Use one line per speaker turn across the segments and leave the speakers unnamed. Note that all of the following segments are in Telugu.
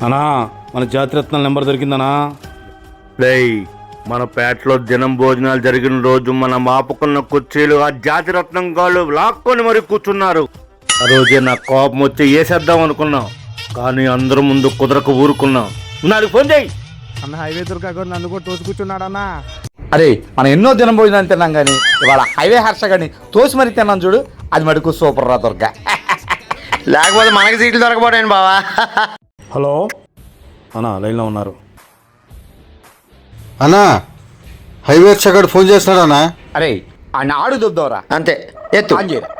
అనా మన జాతిరత్నాల నెంబర్ దొరికిందనా?
రేయ్, మన పేటలో దినం భోజనాలు జరిగిన రోజు మనం ఆపుకున్న కుర్చీలు ఆ జాతిరత్నం గాళ్ళు లాక్కొని మరి కూర్చున్నారు. ఆ రోజే నాకు కోపం వచ్చి వేసేద్దాం అనుకున్నాం, కానీ అందరూ ముందు కుదరకు ఊరుకున్నాం. నాకు ఫోన్ చేయి
అన్న. హైవే దొరకకుండా నన్ను కూడా తోసి కూర్చున్నాడన్నా.
అరే మనం ఎన్నో దినం భోజనాలు తిన్నాం కానీ ఇవాళ హైవే హర్ష కానీ తోసి మరి తిన్నాం చూడు, అది మటుకు సూపర్ రా దొరక.
లేకపోతే మనకి సీట్లు దొరకపోయాను బావా.
హలో అనా, లైన్లో ఉన్నారు.
అన్నా, హైవే చక్కడు ఫోన్ చేస్తున్నాడన్నా.
అరే ఆయన ఆడు దుబ్దవరా,
అంతే ఎత్తు.
ఆన్ చేయరా.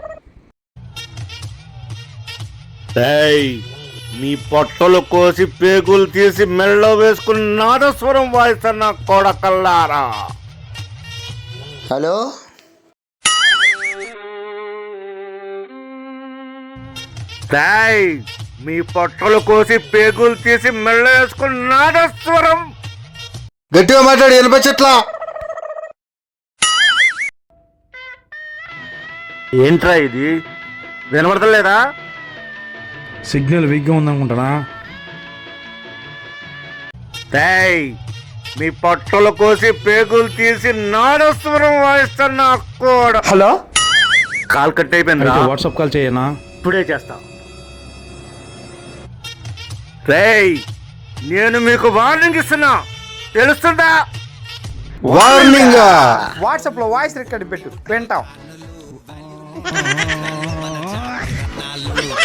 రేయ్, మీ పొట్టలు కోసి పేగులు తీసి మెళ్ళలో వేసుకుని నాదస్వరం వాయిస్తున్న కొడకల్లారా.
హలో,
రేయ్, మీ పొట్టలు కోసి పేగులు తీసి మెళ్ళలో వేసుకుని నాదస్వరం.
గట్టిగా మాట్లాడి వినిపించట్లా.
ఏంట్రా ఇది, వినబడతలేదా?
సిగ్నల్ వీక్గా ఉందనుకుంటానా?
రేయ్, మీ పొట్టలు కోసి పేగులు తీసి నాదస్వరం వాయిస్తున్న కూడా.
హలో,
కాల్ కట్ అయిపోయింది.
అయితే వాట్సాప్ కాల్ చేయనా?
ఇప్పుడే చేస్తా. రేయ్, నేను మీకు వార్నింగ్ ఇస్తున్నా, తెలుస్తుందా?
వార్నింగ్.
వాట్సాప్లో వాయిస్ రికార్డ్ పెట్టు, వింటాం.